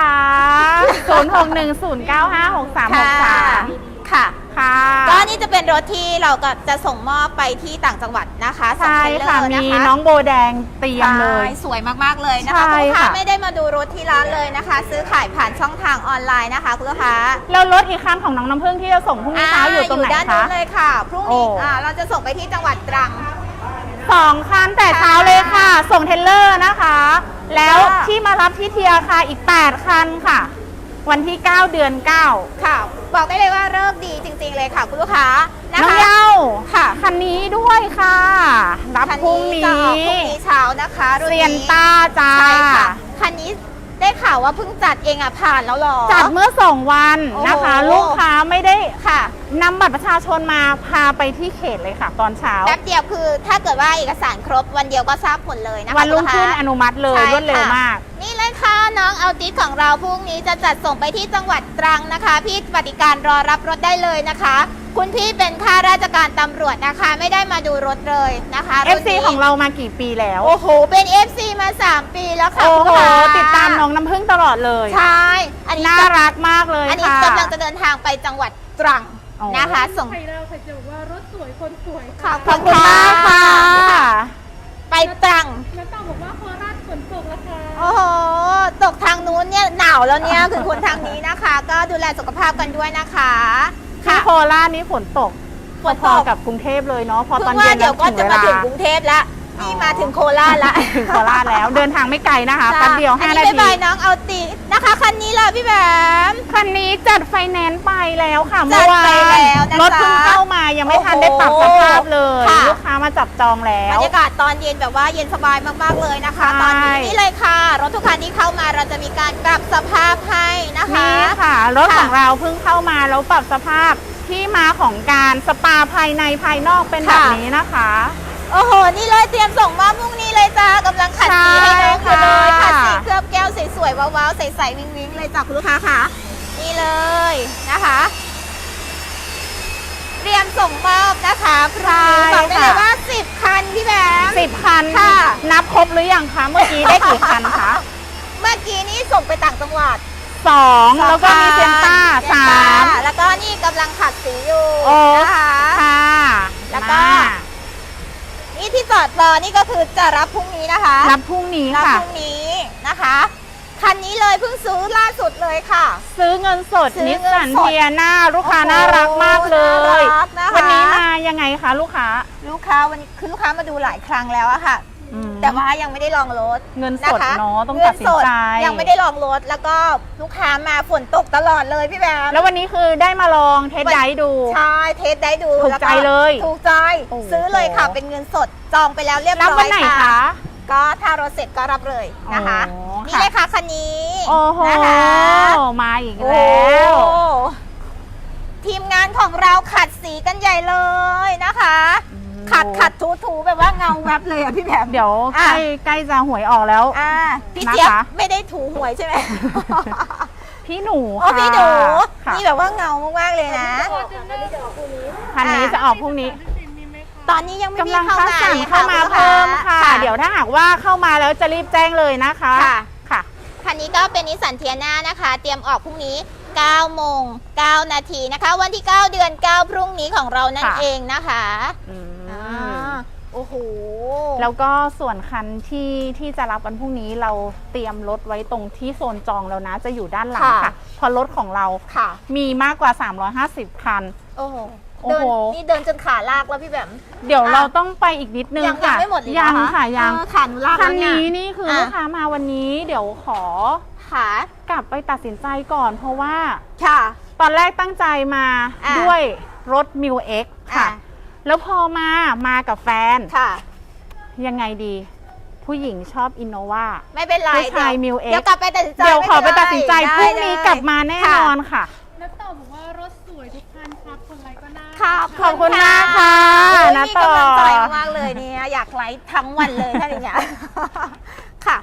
[SPEAKER 2] 0610956363
[SPEAKER 1] ค่ะ
[SPEAKER 2] ค่ะ ก็นี่จะเป็นรถที่เราก็จะส่งมอบไปที่ต่างจังหวัดนะคะส่ง
[SPEAKER 1] ใช่
[SPEAKER 2] เทรลเลอ
[SPEAKER 1] ค่ะ
[SPEAKER 2] ร์
[SPEAKER 1] มี
[SPEAKER 2] นะคะ
[SPEAKER 1] น้องโบแดงเตรียมเลย
[SPEAKER 2] ใช่สวยมากๆเลยนะคะ
[SPEAKER 1] ใช่
[SPEAKER 2] คุณลูกค้า
[SPEAKER 1] ค่ะ
[SPEAKER 2] ไม่ได้มาดูรถที่ร้านเลยนะคะ ซื้อขายผ่านช่องทางออนไลน์นะคะคุณลูกค้า
[SPEAKER 1] แล้วรถอีกคันของน้องน้ำพึ่งที่จะส่งพรุ่งนี้เช้าอยู่ตรงไหน
[SPEAKER 2] ด้าน
[SPEAKER 1] คะ
[SPEAKER 2] นู้นเลยค่ะพรุ่งนี้
[SPEAKER 1] โอ้
[SPEAKER 2] เราจะส่งไปที่จังหวัดตรัง
[SPEAKER 1] 2 คันแต่เช้าเลยค่ะ ส่งเทรลเลอร์นะคะ แล้ว
[SPEAKER 2] ค่ะ
[SPEAKER 1] ที่มารับที่เทียร์ค่ะอีก 8 คันค่ะ วันที่ 9 เดือน 9
[SPEAKER 2] ค่ะ บอกได้เลยว่าเลิกดีจริงๆเลยค่ะคุณลูกค้านะ
[SPEAKER 1] น้อง
[SPEAKER 2] คะ
[SPEAKER 1] เยา
[SPEAKER 2] ค่ะ
[SPEAKER 1] คันนี้ด้วยค่ะ รับ
[SPEAKER 2] คัน
[SPEAKER 1] พรุ่ง
[SPEAKER 2] นี้
[SPEAKER 1] นี้
[SPEAKER 2] จะออกพรุ่งนี้เช้านะคะรุ่น
[SPEAKER 1] เซียน
[SPEAKER 2] นี้
[SPEAKER 1] ต้าจ้า
[SPEAKER 2] ใช่ค่ะคันนี้ได้ข่าวว่าเพิ่งจัดเองผ่านแล้วหรอ
[SPEAKER 1] จัดเมื่อ 2 วันนะคะ
[SPEAKER 2] โอ้โห
[SPEAKER 1] ลูกค้าไม่ได้
[SPEAKER 2] ค่ะ
[SPEAKER 1] นำบัตรประชาชนมาพาไปที่เขตเลยค่ะ ตอนเช้า
[SPEAKER 2] แป๊บเดียวคือถ้าเกิดว่าเอกสารครบวันเดียวก็ทราบผลเลยนะคะ
[SPEAKER 1] วันรุ่งขึ้น
[SPEAKER 2] คุณลูกค้า
[SPEAKER 1] อนุมัติเลย
[SPEAKER 2] ใช่
[SPEAKER 1] รวดเร็ว
[SPEAKER 2] ค่ะ
[SPEAKER 1] มาก
[SPEAKER 2] นี่เลยค่ะน้องเอาติสของเราพรุ่งนี้จะจัดส่งไปที่จังหวัดตรังนะคะ พี่ปฏิการรอรับรถได้เลยนะคะ คุณพี่เป็นข้าราชการตำรวจนะคะ ไม่ได้มาดูรถเลยนะคะรุ่น
[SPEAKER 1] FC
[SPEAKER 2] นี้
[SPEAKER 1] ของเรามากี่ปีแล้ว
[SPEAKER 2] โอ้โหเป็น FC มา 3 ปีแล้วค่ะ
[SPEAKER 1] โอ้
[SPEAKER 2] คุณ
[SPEAKER 1] โห
[SPEAKER 2] ลูกค้า
[SPEAKER 1] ติดตามน้องน้ำพึ่งตลอดเลย
[SPEAKER 2] ใช่อันนี้
[SPEAKER 1] น่ารักมากเลย
[SPEAKER 2] อันนี้
[SPEAKER 1] ค่ะ
[SPEAKER 2] กำลังจะเดินทางไปจังหวัดตรัง
[SPEAKER 1] โอ้
[SPEAKER 2] นะคะ ส่ง
[SPEAKER 3] ใครเราใครจะบอกว่ารถสวยคนสวย
[SPEAKER 2] ขอ
[SPEAKER 3] ค่ะ
[SPEAKER 2] บ
[SPEAKER 1] ขอบคุณมากค่ะ
[SPEAKER 2] ไปตรัง
[SPEAKER 3] แล้วต้องบอกว่าโคราชฝนตกแล้วค่ะ
[SPEAKER 2] โอ้โห ตกทางนู้นเนี่ยหนาวแล้วเนี่ย คือคนทางนี้นะคะ ก็ดูแลสุขภาพกันด้วยนะคะ
[SPEAKER 1] ที่โคราชนี่ฝนตก
[SPEAKER 2] ฝน
[SPEAKER 1] พ
[SPEAKER 2] ต
[SPEAKER 1] อก ๆกับกรุงเทพเลยเนาะพอ
[SPEAKER 2] เพิ่
[SPEAKER 1] ตอน
[SPEAKER 2] งว่า
[SPEAKER 1] เย็น
[SPEAKER 2] เดี๋ยวก็จะมาถึงกรุงเทพแล้ว นี่มาถึงโคราชแล้ว
[SPEAKER 1] ถึงโคราชแล้วเดินทางไม่ไกลนะคะแป๊บเดียว
[SPEAKER 2] อัน
[SPEAKER 1] 5
[SPEAKER 2] นี้
[SPEAKER 1] นา
[SPEAKER 2] บ๊าย
[SPEAKER 1] ที
[SPEAKER 2] บายน้องเอาตินะคะคันนี้ล่ะพี่แบม
[SPEAKER 1] คันนี้จัดไฟแนนซ์ไปแล้วค่ะ
[SPEAKER 2] จั
[SPEAKER 1] เมื่
[SPEAKER 2] ด
[SPEAKER 1] อวา
[SPEAKER 2] ไป
[SPEAKER 1] น
[SPEAKER 2] แล้วนะจ๊ะ
[SPEAKER 1] รถเพิ่งเข้ามายังไม่ทันได้ปรับสภาพเลย
[SPEAKER 2] ค่ะ
[SPEAKER 1] ลูกค้ามาจับจองแล้
[SPEAKER 2] บร
[SPEAKER 1] ว
[SPEAKER 2] รยากาศตอนเย็นแบบว่าเย็นสบายมากๆเลยนะคะ
[SPEAKER 1] ใช่
[SPEAKER 2] ตอนนี้นี่เลยค่ะ รถทุกคันที่เข้ามาเราจะมีการปรับสภาพให้นะคะ
[SPEAKER 1] นี่ค่ะ รถ
[SPEAKER 2] ค่ะ
[SPEAKER 1] ของเราเพิ่งเข้ามาแล้วปรับสภาพที่มาของการสปาภายในภายนอกเป็นแบบนี้นะคะ
[SPEAKER 2] โอ้โห นี่เลยเตรียมส่งมอบพรุ่งนี้เลยจ้ากำลังขัดสีให้น้องอยู่เลย
[SPEAKER 1] ใช่ค่ะ
[SPEAKER 2] ขัดสีเคลือบแก้วสวยๆว้าวๆใสๆวิงๆเลยจ้ะคุณลูกค้าค่ะ นี่เลยนะคะ เตรียมส่งมอบนะคะพรุ่งนี้บอกได้เลยว่า 10 คันพี่แบม
[SPEAKER 1] 10 คัน
[SPEAKER 2] ค่ะ
[SPEAKER 1] นับครบหรือยังคะเมื่อกี้ได้กี่คันคะ
[SPEAKER 2] เมื่อกี้นี้ส่งไปต่างจังหวัด
[SPEAKER 1] 2 แล้วก็มีเซนต้า
[SPEAKER 2] เซนต้
[SPEAKER 1] 3
[SPEAKER 2] แล้วก็นี่กำลังขัดสีอยู่
[SPEAKER 1] โอ้
[SPEAKER 2] นะคะ
[SPEAKER 1] ค่ะ
[SPEAKER 2] แล้วก็
[SPEAKER 1] มา
[SPEAKER 2] นี่ที่จอดรอนี่ก็คือจะรับพรุ่งนี้นะคะ
[SPEAKER 1] รับพรุ่งนี้
[SPEAKER 2] รับ
[SPEAKER 1] ค่ะ
[SPEAKER 2] พรุ่งนี้นะคะ คันนี้เลยเพิ่งซื้อล่าสุดเลยค่ะ
[SPEAKER 1] ซื้อเงินสด
[SPEAKER 2] ซื้อ
[SPEAKER 1] นิส
[SPEAKER 2] เงิน
[SPEAKER 1] สัน
[SPEAKER 2] สด
[SPEAKER 1] เทียน่าลูกค้า
[SPEAKER 2] โอ้โห
[SPEAKER 1] น่ารักมากเลย
[SPEAKER 2] น่ารักนะคะ
[SPEAKER 1] วันนี้มายังไงคะลูกค้า
[SPEAKER 2] ลูกค้าวันนี้คือลูกค้ามาดูหลายครั้งแล้วอะค่ะ
[SPEAKER 1] อืม
[SPEAKER 2] แต่ว่ายังไม่ได้ลองรถ
[SPEAKER 1] เงินสด
[SPEAKER 2] นะคะ
[SPEAKER 1] เนาะต้อง
[SPEAKER 2] เงิ
[SPEAKER 1] ตัดสินใจ
[SPEAKER 2] ยังไม่ได้ลองรถแล้วก็ลูกค้ามาฝนตกตลอดเลยพี่แบม
[SPEAKER 1] แล้ววันนี้คือได้มาลองเทสไดรฟ์ดู
[SPEAKER 2] ใช่เทสได้ดู
[SPEAKER 1] ถูก
[SPEAKER 2] แว
[SPEAKER 1] ใจเลย
[SPEAKER 2] ถูกใจ
[SPEAKER 1] โอ้โห
[SPEAKER 2] ซื้อเลยค่ะเป็นเงินสดจองไปแล้วเรียบ
[SPEAKER 1] รับ
[SPEAKER 2] ร้อ
[SPEAKER 1] วัน
[SPEAKER 2] ย
[SPEAKER 1] ไหน
[SPEAKER 2] ค่ะ
[SPEAKER 1] คะ
[SPEAKER 2] ก็ถ้ารถเสร็จก็รับเลยนะคะ
[SPEAKER 1] โอ้
[SPEAKER 2] นี่
[SPEAKER 1] ค่ะ
[SPEAKER 2] เลยค่ะคันนี้
[SPEAKER 1] โอ้โห
[SPEAKER 2] นะคะ
[SPEAKER 1] มาอีก
[SPEAKER 2] โอ้
[SPEAKER 1] แล้ว
[SPEAKER 2] ทีมงานของเราขัดสีกันใหญ่เลยนะคะ ขัดถูแบบว่าเงาแวบเลยอ่ะพี่แบม
[SPEAKER 1] เดี๋ยวใก
[SPEAKER 2] อ่ะ
[SPEAKER 1] ล้จะหวยออกแล้ว
[SPEAKER 2] พี่
[SPEAKER 1] นะคะ
[SPEAKER 2] เจี๊ยบไม่ได้ถูหวยใช่ไหม
[SPEAKER 1] พี่หนู
[SPEAKER 2] โอ้
[SPEAKER 1] ค่ะ
[SPEAKER 2] พี่หนู
[SPEAKER 1] ค่ะ
[SPEAKER 2] นี่แบบว่าเงามากๆเลยนะ
[SPEAKER 1] คันนี้จะออกพรุ่งนี้
[SPEAKER 3] มีไหมคะ
[SPEAKER 2] ตอนนี้ยังไม่มี
[SPEAKER 1] กำลัง
[SPEAKER 2] เข้า
[SPEAKER 1] คัด
[SPEAKER 2] มา
[SPEAKER 1] สรร
[SPEAKER 2] เลย
[SPEAKER 1] เข้ามา
[SPEAKER 2] ค่ะ
[SPEAKER 1] เพิ่มค่ะ
[SPEAKER 2] ค่ะ
[SPEAKER 1] เดี๋ยวถ้าหากว่าเข้ามาแล้วจะรีบแจ้งเลยนะคะ
[SPEAKER 2] ค่ะ
[SPEAKER 1] ค่ะ
[SPEAKER 2] คันนี้ก็เป็นนิสสันเทียน่านะคะ เตรียมออกพรุ่งนี้9โมง9นาทีนะคะ วันที่ 9 เดือน 9 พรุ่งนี้ของเรานั่น
[SPEAKER 1] ค่ะ
[SPEAKER 2] เองนะคะ
[SPEAKER 1] อืม
[SPEAKER 2] โอ้โห
[SPEAKER 1] แล้วก็ส่วนคันที่จะรับวันพรุ่งนี้เราเตรียมรถไว้ตรงที่โซนจองแล้วนะ จะอยู่ด้านหลัง
[SPEAKER 2] ค่ะ
[SPEAKER 1] ค่ะเพราะรถของเรา
[SPEAKER 2] ค่ะ
[SPEAKER 1] มีมากกว่า 350 คัน
[SPEAKER 2] โอ้โห
[SPEAKER 1] โอ้โห
[SPEAKER 2] นี่เดินจนขาลากแล้วพี่แบม
[SPEAKER 1] เดี๋ยวเราต้องไปอีกนิดนึง
[SPEAKER 2] ยัง
[SPEAKER 1] ค่ะ
[SPEAKER 2] ไม่หมดเลย
[SPEAKER 1] ยัง
[SPEAKER 2] เหรอ
[SPEAKER 1] ค่ะยัง
[SPEAKER 2] ขาหนูลาก
[SPEAKER 1] คั
[SPEAKER 2] แล้
[SPEAKER 1] น
[SPEAKER 2] วเนี่ย
[SPEAKER 1] นี้นี่คือลูกค้ามาวันนี้ เดี๋ยวขอ
[SPEAKER 2] ค่ะ
[SPEAKER 1] กลับไปตัดสินใจก่อน เพราะว่า
[SPEAKER 2] ค่ะ
[SPEAKER 1] ตอนแรกตั้งใจมา
[SPEAKER 2] อ่ะ
[SPEAKER 1] ด้วยรถ m ิว X ค่ะ
[SPEAKER 2] อ่ะ
[SPEAKER 1] แล้วพอมากับแฟน
[SPEAKER 2] ค่ะ
[SPEAKER 1] ยังไงดี ผู้หญิงชอบอินโนวา
[SPEAKER 2] ไม่เป็นไร
[SPEAKER 1] ผู้ชาย
[SPEAKER 2] เดี๋ว
[SPEAKER 1] Mil X
[SPEAKER 2] เดี๋ยวกลับไปตัดสินใจ
[SPEAKER 1] เดี๋ยวขอไปตัดสินใจพ
[SPEAKER 2] ม่
[SPEAKER 1] รุ่ง
[SPEAKER 2] เนไร
[SPEAKER 1] นี้กลับมาแน่นอนค่ะ
[SPEAKER 3] แล้วต่อบอกว่ารถสวยทุกคันครับคนไรก็น่า
[SPEAKER 2] ค่ะ
[SPEAKER 1] ขอบคุณมากค่ะ
[SPEAKER 2] โอ้ย
[SPEAKER 1] นะ
[SPEAKER 2] มี
[SPEAKER 1] ต่อ
[SPEAKER 2] กำลังใจมากๆเลยเนี่ยอยากไลฟ์ทั้งวันเลยถ้าอย่างเงี้ย ค่ะ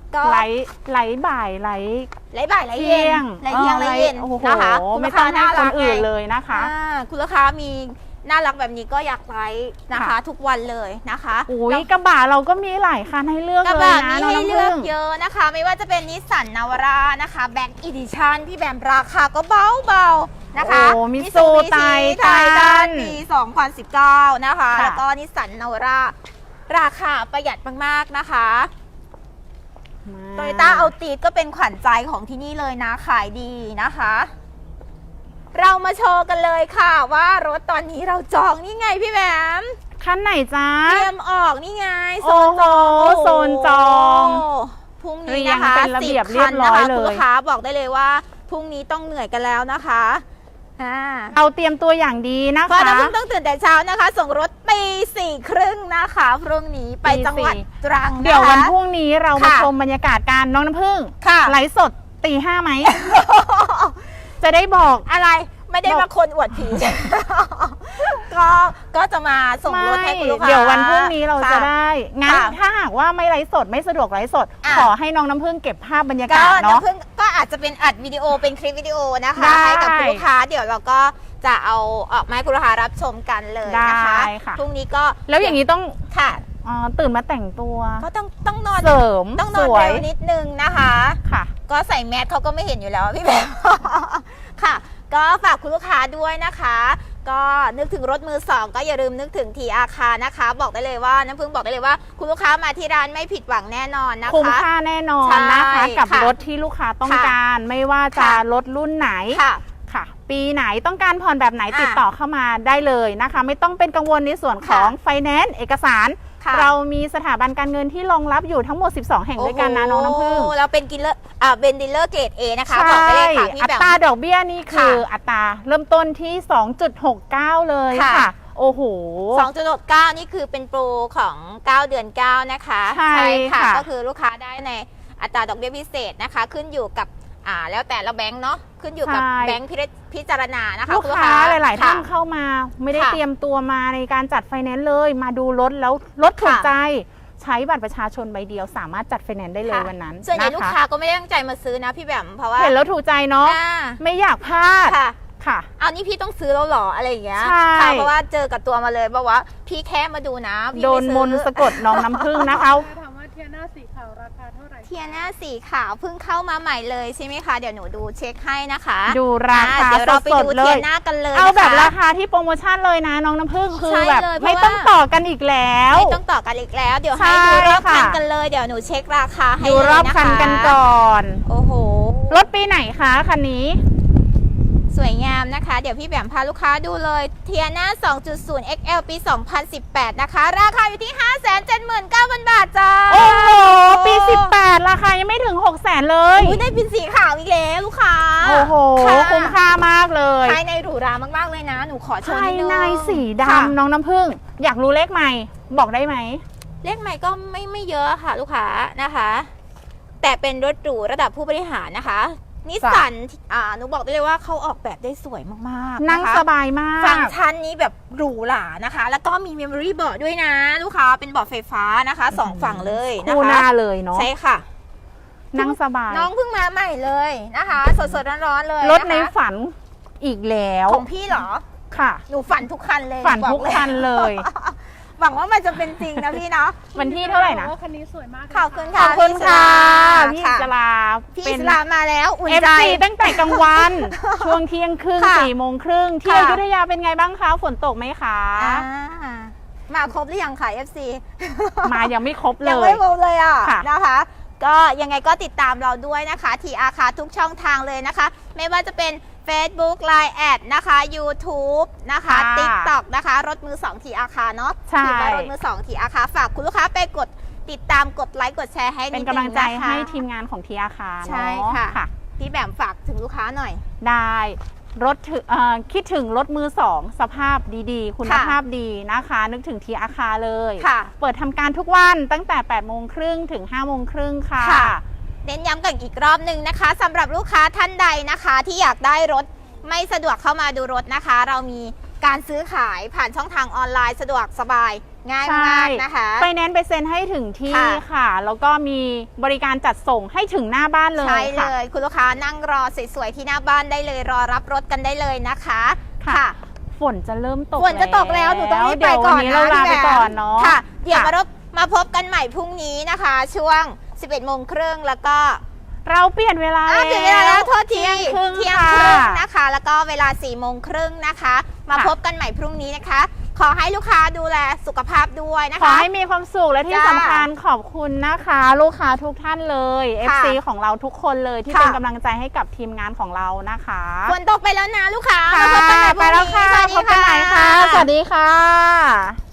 [SPEAKER 2] ก็
[SPEAKER 1] ไหลบ่ายไหล
[SPEAKER 2] ไหลบ่ายไหล
[SPEAKER 1] เที่
[SPEAKER 2] เย็
[SPEAKER 1] ย
[SPEAKER 2] น
[SPEAKER 1] ง
[SPEAKER 2] ไหลเที่ยงไหลเย็น
[SPEAKER 1] โอ้โห
[SPEAKER 2] นะคะคุณ
[SPEAKER 1] ไม่
[SPEAKER 2] ลูก
[SPEAKER 1] ต้
[SPEAKER 2] ค้า
[SPEAKER 1] องให้
[SPEAKER 2] น่า
[SPEAKER 1] ค
[SPEAKER 2] รั
[SPEAKER 1] น
[SPEAKER 2] ก
[SPEAKER 1] อื่น
[SPEAKER 2] ไง
[SPEAKER 1] เลยนะคะ
[SPEAKER 2] คุณลูกค้ามีน่ารักแบบนี้ก็อยากไลฟ์นะคะ
[SPEAKER 1] ค่ะ
[SPEAKER 2] ทุกวันเลยนะคะ
[SPEAKER 1] อุ้ย
[SPEAKER 2] แล้ว
[SPEAKER 1] กระบะเราก็มีหลายคันให้เลือก
[SPEAKER 2] กระ
[SPEAKER 1] เลย
[SPEAKER 2] บะ
[SPEAKER 1] นะ
[SPEAKER 2] มี
[SPEAKER 1] น้อง
[SPEAKER 2] ให้
[SPEAKER 1] น้ำ
[SPEAKER 2] เลื
[SPEAKER 1] ผึ้
[SPEAKER 2] อก
[SPEAKER 1] ง
[SPEAKER 2] เยอะนะคะ ไม่ว่าจะเป็นนิสสันนาวาร่านะคะแบ็กอีดิชันพี่แบมราคาก็เบาๆนะคะ
[SPEAKER 1] โอ้มิซูไท
[SPEAKER 2] ไท
[SPEAKER 1] ทั
[SPEAKER 2] ทัน
[SPEAKER 1] น
[SPEAKER 2] ปี 2019 นะคะ
[SPEAKER 1] ค่ะ
[SPEAKER 2] แล้วก็นิสสันนาวาร่าราคาประหยัดมากๆนะคะโตโยต้าเอาตีดก็เป็นขวัญใจของที่นี่เลยนะขายดีนะคะ เรามาโชว์กันเลยค่ะว่ารถตอนนี้เราจองนี่ไงพี่แบม
[SPEAKER 1] คันไหนจ้า
[SPEAKER 2] เตรียมออกนี่ไงโซ
[SPEAKER 1] โอ้
[SPEAKER 2] น
[SPEAKER 1] โห
[SPEAKER 2] จอง
[SPEAKER 1] โซนจอง
[SPEAKER 2] พรุ่งนี้นะคะ
[SPEAKER 1] เรียงเป็นระเบียบ
[SPEAKER 2] 10
[SPEAKER 1] เรียบร้อย
[SPEAKER 2] คันนะคะ
[SPEAKER 1] เลย
[SPEAKER 2] คุณลูกค้าบอกได้เลยว่าพรุ่งนี้ต้องเหนื่อยกันแล้วนะคะอ่า
[SPEAKER 1] เอาเตรียมตัวอย่างดีนะ
[SPEAKER 2] เพราะ
[SPEAKER 1] คะ
[SPEAKER 2] น้ำพึ่งต้องตื่นแต่เช้านะคะ ส่งรถปี 4:30นะคะพรุ่งนี้ไปจังหวัดตรังนะคะ
[SPEAKER 1] เดี๋ยววันพรุ่งนี้เรามา
[SPEAKER 2] ค่ะ
[SPEAKER 1] ชมบรรยากาศการน้องน้ำผึ้ง
[SPEAKER 2] ค่ะ
[SPEAKER 1] ไลฟ์สดตีห้าไหม จะได้บอก
[SPEAKER 2] อะไรไม่ได้
[SPEAKER 1] บอก
[SPEAKER 2] มาคนอวดผี ก็จะมาส่งรถให้คุณลูกค้า
[SPEAKER 1] เดี๋ยววันพรุ่งนี้เราจะ
[SPEAKER 2] ค่ะ
[SPEAKER 1] ได้งั้น
[SPEAKER 2] ค่ะ
[SPEAKER 1] ถ้าหากว่าไม่ไลฟ์สดไม่สะดวกไลฟ์สด
[SPEAKER 2] อ่ะ
[SPEAKER 1] ขอให้น้องน้ำผึ้งเก็บภาพบรรยา
[SPEAKER 2] ก็
[SPEAKER 1] กาศเนาะ
[SPEAKER 2] น้ำพึ่งก็อาจจะเป็นอัดวิดีโอเป็นคลิปวิดีโอนะคะ
[SPEAKER 1] ได้
[SPEAKER 2] ให้กับคุณลูกค้าเดี๋ยวเราก็จะเอาออกมาให้คุณลูกค้ารับชมกันเลยนะคะ
[SPEAKER 1] ได้ค่ะ
[SPEAKER 2] พรุ่งนี้ก็
[SPEAKER 1] แล้วอย่างนี้ต้อง
[SPEAKER 2] ค่ะ
[SPEAKER 1] ตื่นมาแต่งตัว
[SPEAKER 2] ก็ต้องนอน
[SPEAKER 1] เสริม
[SPEAKER 2] ต้องน
[SPEAKER 1] ส
[SPEAKER 2] อน
[SPEAKER 1] วย
[SPEAKER 2] เร็วนิดนึงนะคะ
[SPEAKER 1] ค่ะ
[SPEAKER 2] ก็ใส่แมสเขาก็ไม่เห็นอยู่แล้วพี่แบม ค่ะ ก็ฝากคุณลูกค้าด้วยนะคะ ก็นึกถึงรถมือสองก็อย่าลืมนึกถึงทีอาคานะคะ บอกได้เลยว่าน้ำพึ่งบอกได้เลยว่าคุณลูกค้ามาที่ร้านไม่ผิดหวังแน่นอนนะคะ
[SPEAKER 1] คุ้มค่าแน่นอน
[SPEAKER 2] ใช่
[SPEAKER 1] นะคะกับ
[SPEAKER 2] ค่ะ
[SPEAKER 1] รถที่ลูกค้าต้อง
[SPEAKER 2] ค่ะ
[SPEAKER 1] การไม่ว่าจะ
[SPEAKER 2] ค่ะ
[SPEAKER 1] รถรุ่นไหน
[SPEAKER 2] ค่ะ
[SPEAKER 1] ค่ะ ปีไหนต้องการผ่อนแบบไหน
[SPEAKER 2] อ่ะ
[SPEAKER 1] ติดต่อเข้ามาได้เลยนะคะ ไม่ต้องเป็นกังวลในส่วนของ
[SPEAKER 2] ค่ะ
[SPEAKER 1] ไฟแนนซ์เอกสาร
[SPEAKER 2] ค่ะ
[SPEAKER 1] เรามีสถาบันการเงินที่รองรับอยู่ทั้งหมด 12 แห่งด้วยกันนะน้องน้ำผึ้ง
[SPEAKER 2] โอ้เราเป็นกิลเลอร์เป็นดีลเลอร์เกรด A นะคะบอกไปเลยค่ะพี่
[SPEAKER 1] อั
[SPEAKER 2] แบม
[SPEAKER 1] ตราดอกเบี้ยนี่คือ
[SPEAKER 2] ค่ะ
[SPEAKER 1] อัตราเริ่มต้นที่ 2.69 เลย
[SPEAKER 2] ค่ะ
[SPEAKER 1] ค่ะ โอ้โห
[SPEAKER 2] 2.69 นี่คือเป็นโปรของ 9 เดือน 9 นะคะ
[SPEAKER 1] ใช่ค่ะ
[SPEAKER 2] ก็คือลูกค้าได้ในอัตราดอกเบี้ยพิเศษนะคะ ขึ้นอยู่กับแล้วแต่ละแบงค์เนาะขึ้นอยู่กับแบงค์พิจารณานะคะ
[SPEAKER 1] ลูก
[SPEAKER 2] ณ
[SPEAKER 1] ค้าหลาย ๆ ท่าน
[SPEAKER 2] ค่ะ
[SPEAKER 1] เข้ามาไม่ได้
[SPEAKER 2] ค่ะ
[SPEAKER 1] เตรียมตัวมาในการจัดไฟแนนซ์เลย มาดูรถแล้วรถถูก
[SPEAKER 2] ค่ะ
[SPEAKER 1] ใจใช้บัตรประชาชนใบเดียวสามารถจัดไฟแนนซ์ได้เลย
[SPEAKER 2] ค่ะ
[SPEAKER 1] วันนั้น
[SPEAKER 2] ส่วนใหญ่
[SPEAKER 1] ะะ
[SPEAKER 2] ลูกค้าก็ไม่ได้ตั้งใจมาซื้อนะพี่แบมเพราะว่า
[SPEAKER 1] เห็นแล้วถูกใจเนาะ
[SPEAKER 2] อ่า
[SPEAKER 1] ไม่อยากพลาด
[SPEAKER 2] ค่ะ
[SPEAKER 1] ค่ะ
[SPEAKER 2] เอานี่พี่ต้องซื้อแล้วเหรออะไรอย่างเงี้ย
[SPEAKER 1] ใช่
[SPEAKER 2] ค่ะเพราะว่าเจอกับตัวมาเลยบอกว่าพี่แค่มาดูนะพี่
[SPEAKER 1] โด
[SPEAKER 2] ไม่
[SPEAKER 1] น
[SPEAKER 2] ซื้อ
[SPEAKER 1] มนต์สะกดน้องน้ำผึ้งนะคะ
[SPEAKER 3] ถามว่าเทียน่าสีขาวราคาเท่าไหร่
[SPEAKER 2] เทียน่าสีขาวเพิ่งเข้ามาใหม่เลยใช่ไหมคะเดี๋ยวหนูดูเช็คให้นะคะ
[SPEAKER 1] ดูราคา
[SPEAKER 2] เดี๋ยวเราไป
[SPEAKER 1] สด
[SPEAKER 2] ดู
[SPEAKER 1] ๆเล
[SPEAKER 2] เทีย
[SPEAKER 1] ย
[SPEAKER 2] น่ากันเลย
[SPEAKER 1] เอาแบบ
[SPEAKER 2] นะคะ
[SPEAKER 1] ราคาที่โปรโมชั่นเลยนะน้องน้ำผึ้งคือ
[SPEAKER 2] ใช่
[SPEAKER 1] แบบ
[SPEAKER 2] เลยเพราะ
[SPEAKER 1] ไม่ต้อง
[SPEAKER 2] ว่า
[SPEAKER 1] ต่อกันอีกแล้ว
[SPEAKER 2] ไม่ต้องต่อกันอีกแล้ว เดี๋ยวให้
[SPEAKER 1] ใช่
[SPEAKER 2] ดูรอบคัน
[SPEAKER 1] ค่ะ
[SPEAKER 2] กันเลยเดี๋ยวหนูเช็คราคาให้
[SPEAKER 1] ดู
[SPEAKER 2] เลย
[SPEAKER 1] รอบ
[SPEAKER 2] นะคะ
[SPEAKER 1] คันกันก่อน
[SPEAKER 2] โอ้โห
[SPEAKER 1] รถปีไหนคะคันนี้
[SPEAKER 2] สวยงามนะคะ เดี๋ยวพี่แบมพาลูกค้าดูเลยเทียน่า 2.0 XL ปี 2018 นะคะ ราคาอยู่ที่ 579,000 บาทจ้า
[SPEAKER 1] โอ้โห ปี 18 ราคายังไม่ถึง 600,000 เลย
[SPEAKER 2] อุ๊ยได้เป็นสีขาวอีกแล้วลูกค้า
[SPEAKER 1] โอ้โห
[SPEAKER 2] ค่ะ
[SPEAKER 1] คุ้มค่ามากเลย
[SPEAKER 2] ภายในหรูหรามากๆเลยนะ หนูขอโชว์
[SPEAKER 1] ภา
[SPEAKER 2] นิ
[SPEAKER 1] ย
[SPEAKER 2] ดนึง
[SPEAKER 1] ในสี
[SPEAKER 2] ค่ะ
[SPEAKER 1] ดำน้องน้ำผึ้งอยากรู้เลขใหม่ บอกได้ไหม
[SPEAKER 2] เลขใหม่ก็ไม่เยอะค่ะลูกค้านะคะ แต่เป็นรถหรูระดับผู้บริหารนะคะนิสสันหนูบอกได้เลยว่าเขาออกแบบได้สวยมากๆ
[SPEAKER 1] นั่ง
[SPEAKER 2] นะคะ
[SPEAKER 1] สบายมา
[SPEAKER 2] ฟัง
[SPEAKER 1] ก
[SPEAKER 2] ก์ชันนี้แบบหรูหรานะคะ แล้วก็มีเมมโมรี่เบาะด้วยนะ ลูกค้าเป็นเบาะไฟฟ้านะคะสองฝั่งเลยนะ
[SPEAKER 1] คู่ห
[SPEAKER 2] คะ
[SPEAKER 1] น้าเลยเนาะ
[SPEAKER 2] ใช่ค่ะ
[SPEAKER 1] นั่งสบาย
[SPEAKER 2] น้องเพิ่งมาใหม่เลยนะคะ สดๆร้อนๆเลย
[SPEAKER 1] รถใน
[SPEAKER 2] นะคะ
[SPEAKER 1] ฝันอีกแล้ว
[SPEAKER 2] ของพี่เหรอ
[SPEAKER 1] ค่ะ
[SPEAKER 2] หนูฝันทุกคันเลย
[SPEAKER 1] ฝัน
[SPEAKER 2] บอก
[SPEAKER 1] ทุกคันเลย
[SPEAKER 2] หวังว่ามันจะเป็นจริงนะพี่เนาะ
[SPEAKER 1] วันที่เท่าไหร่นะ
[SPEAKER 3] ว่าคันนี้สวยมากเลย
[SPEAKER 2] ขอบคุณ
[SPEAKER 1] ข
[SPEAKER 2] ค่ะ
[SPEAKER 1] อบคุณค่ะ
[SPEAKER 2] พี่
[SPEAKER 1] พี่
[SPEAKER 2] อิ
[SPEAKER 1] อิ
[SPEAKER 2] ส
[SPEAKER 1] ส
[SPEAKER 2] ลา
[SPEAKER 1] ลา
[SPEAKER 2] พี่
[SPEAKER 1] เป็
[SPEAKER 2] อิ
[SPEAKER 1] น
[SPEAKER 2] สลามมาแล้วอุ่นใจ
[SPEAKER 1] FC ตั้งแต่กลางวัน ช่วงเที่ยงครึ่ง
[SPEAKER 2] ค่ะ
[SPEAKER 1] 4 โมงครึ่งที่
[SPEAKER 2] ค่ะ
[SPEAKER 1] อยุธยาเป็นไงบ้างคะ ฝนตกไหมคะ
[SPEAKER 2] มาครบหรือยังค่ะ FC
[SPEAKER 1] มายังไม่ครบเล
[SPEAKER 2] ยัง
[SPEAKER 1] ย
[SPEAKER 2] ไม่ครบเลยอ่ะ
[SPEAKER 1] ค่ะ
[SPEAKER 2] นะคะ ก็ยังไงก็ติดตามเราด้วยนะคะทีอาคาทุกช่องทางเลยนะคะ ไม่ว่าจะเป็น Facebook Line แอดนะคะ YouTube นะคะ TikTok นะคะรถมือ2ทีอาคาเนาะ
[SPEAKER 1] ใช่
[SPEAKER 2] พิมพ์ว่ารถมือ2ทีอาคาฝากคุณลูกค้าไปกดติดตามกดไลค์กดแชร์ให้
[SPEAKER 1] เป็น
[SPEAKER 2] ด
[SPEAKER 1] กำลังใจ
[SPEAKER 2] นะคะ
[SPEAKER 1] ให้ทีมงานของทีอาคา
[SPEAKER 2] ใช่
[SPEAKER 1] เนาะ
[SPEAKER 2] ค่ะ พี่แบมฝากถึงลูกค้าหน่อย
[SPEAKER 1] ได้รถคิดถึงรถมือสองสภาพดีๆ คุณภาพดีนะคะ นึกถึงทีอาคาเลย
[SPEAKER 2] ค่ะ
[SPEAKER 1] เปิดทำการทุกวันตั้งแต่ 8 โมงครึ่งถึง 5 โมงครึ่งค่ะ
[SPEAKER 2] ค่ะ เน้นย้ำกันอีกรอบหนึ่งนะคะสำหรับลูกค้าท่านใดนะคะ ที่อยากได้รถไม่สะดวกเข้ามาดูรถนะคะ เรามีการซื้อขายผ่านช่องทางออนไลน์สะดวกสบายง่าย
[SPEAKER 1] ใช่
[SPEAKER 2] มากนะคะ
[SPEAKER 1] ไฟแนนซ์ไปเซ็นให้ถึงที่
[SPEAKER 2] ค่ะ
[SPEAKER 1] ค่ะ แล้วก็มีบริการจัดส่งให้ถึงหน้าบ้านเลย
[SPEAKER 2] ใช่เล
[SPEAKER 1] ค่ะ
[SPEAKER 2] ย คุณลูกค้านั่งรอสวยๆที่หน้าบ้านได้เลยรอรับรถกันได้เลยนะคะ
[SPEAKER 1] ค่ะ ฝนจะเริ่มตก
[SPEAKER 2] ฝนจะตกแล้วหนูต้องรีบไป
[SPEAKER 1] เดี๋ยว
[SPEAKER 2] ก่
[SPEAKER 1] วั
[SPEAKER 2] อน
[SPEAKER 1] นี้
[SPEAKER 2] นะ
[SPEAKER 1] เราลาไป
[SPEAKER 2] พี่แบม
[SPEAKER 1] ก่อนเนาะ
[SPEAKER 2] ค่ะ เดี๋ยว
[SPEAKER 1] ค่ะ
[SPEAKER 2] มาพบกันใหม่พรุ่งนี้นะคะ ช่วง 11 โมงครึ่งแล้วก็
[SPEAKER 1] เราเปลี่ยนเวลา
[SPEAKER 2] ถึงเวลาแล้วโทษที
[SPEAKER 1] เที่ยงครึ่ง
[SPEAKER 2] เที่ยง
[SPEAKER 1] ค่ะ
[SPEAKER 2] ครึ่งนะคะ แล้วก็เวลา 4 โมงครึ่งนะคะ มา
[SPEAKER 1] ค่ะ
[SPEAKER 2] พบกันใหม่พรุ่งนี้นะคะ ขอให้ลูกค้าดูแลสุขภาพด้วยนะ
[SPEAKER 1] ขอ
[SPEAKER 2] คะ
[SPEAKER 1] ให้มีความสุขและที่
[SPEAKER 2] จ้า
[SPEAKER 1] สำคัญขอบคุณนะคะ ลูกค้าทุกท่านเลย
[SPEAKER 2] ค่ะ
[SPEAKER 1] FC ของเราทุกคนเลยที่
[SPEAKER 2] ค่ะ
[SPEAKER 1] เป็นกำลังใจให้กับทีมงานของเรานะคะ
[SPEAKER 2] ฝนตกไปแล้วนะลูกค้า
[SPEAKER 1] ค่ะ
[SPEAKER 2] มาพบกันใหม่พรุ่ง
[SPEAKER 1] ไปแล้ว
[SPEAKER 2] นี้
[SPEAKER 1] ค่ะ
[SPEAKER 2] สวัสดี
[SPEAKER 1] พบกันใหม่ค่ะ สวัสดีค่ะ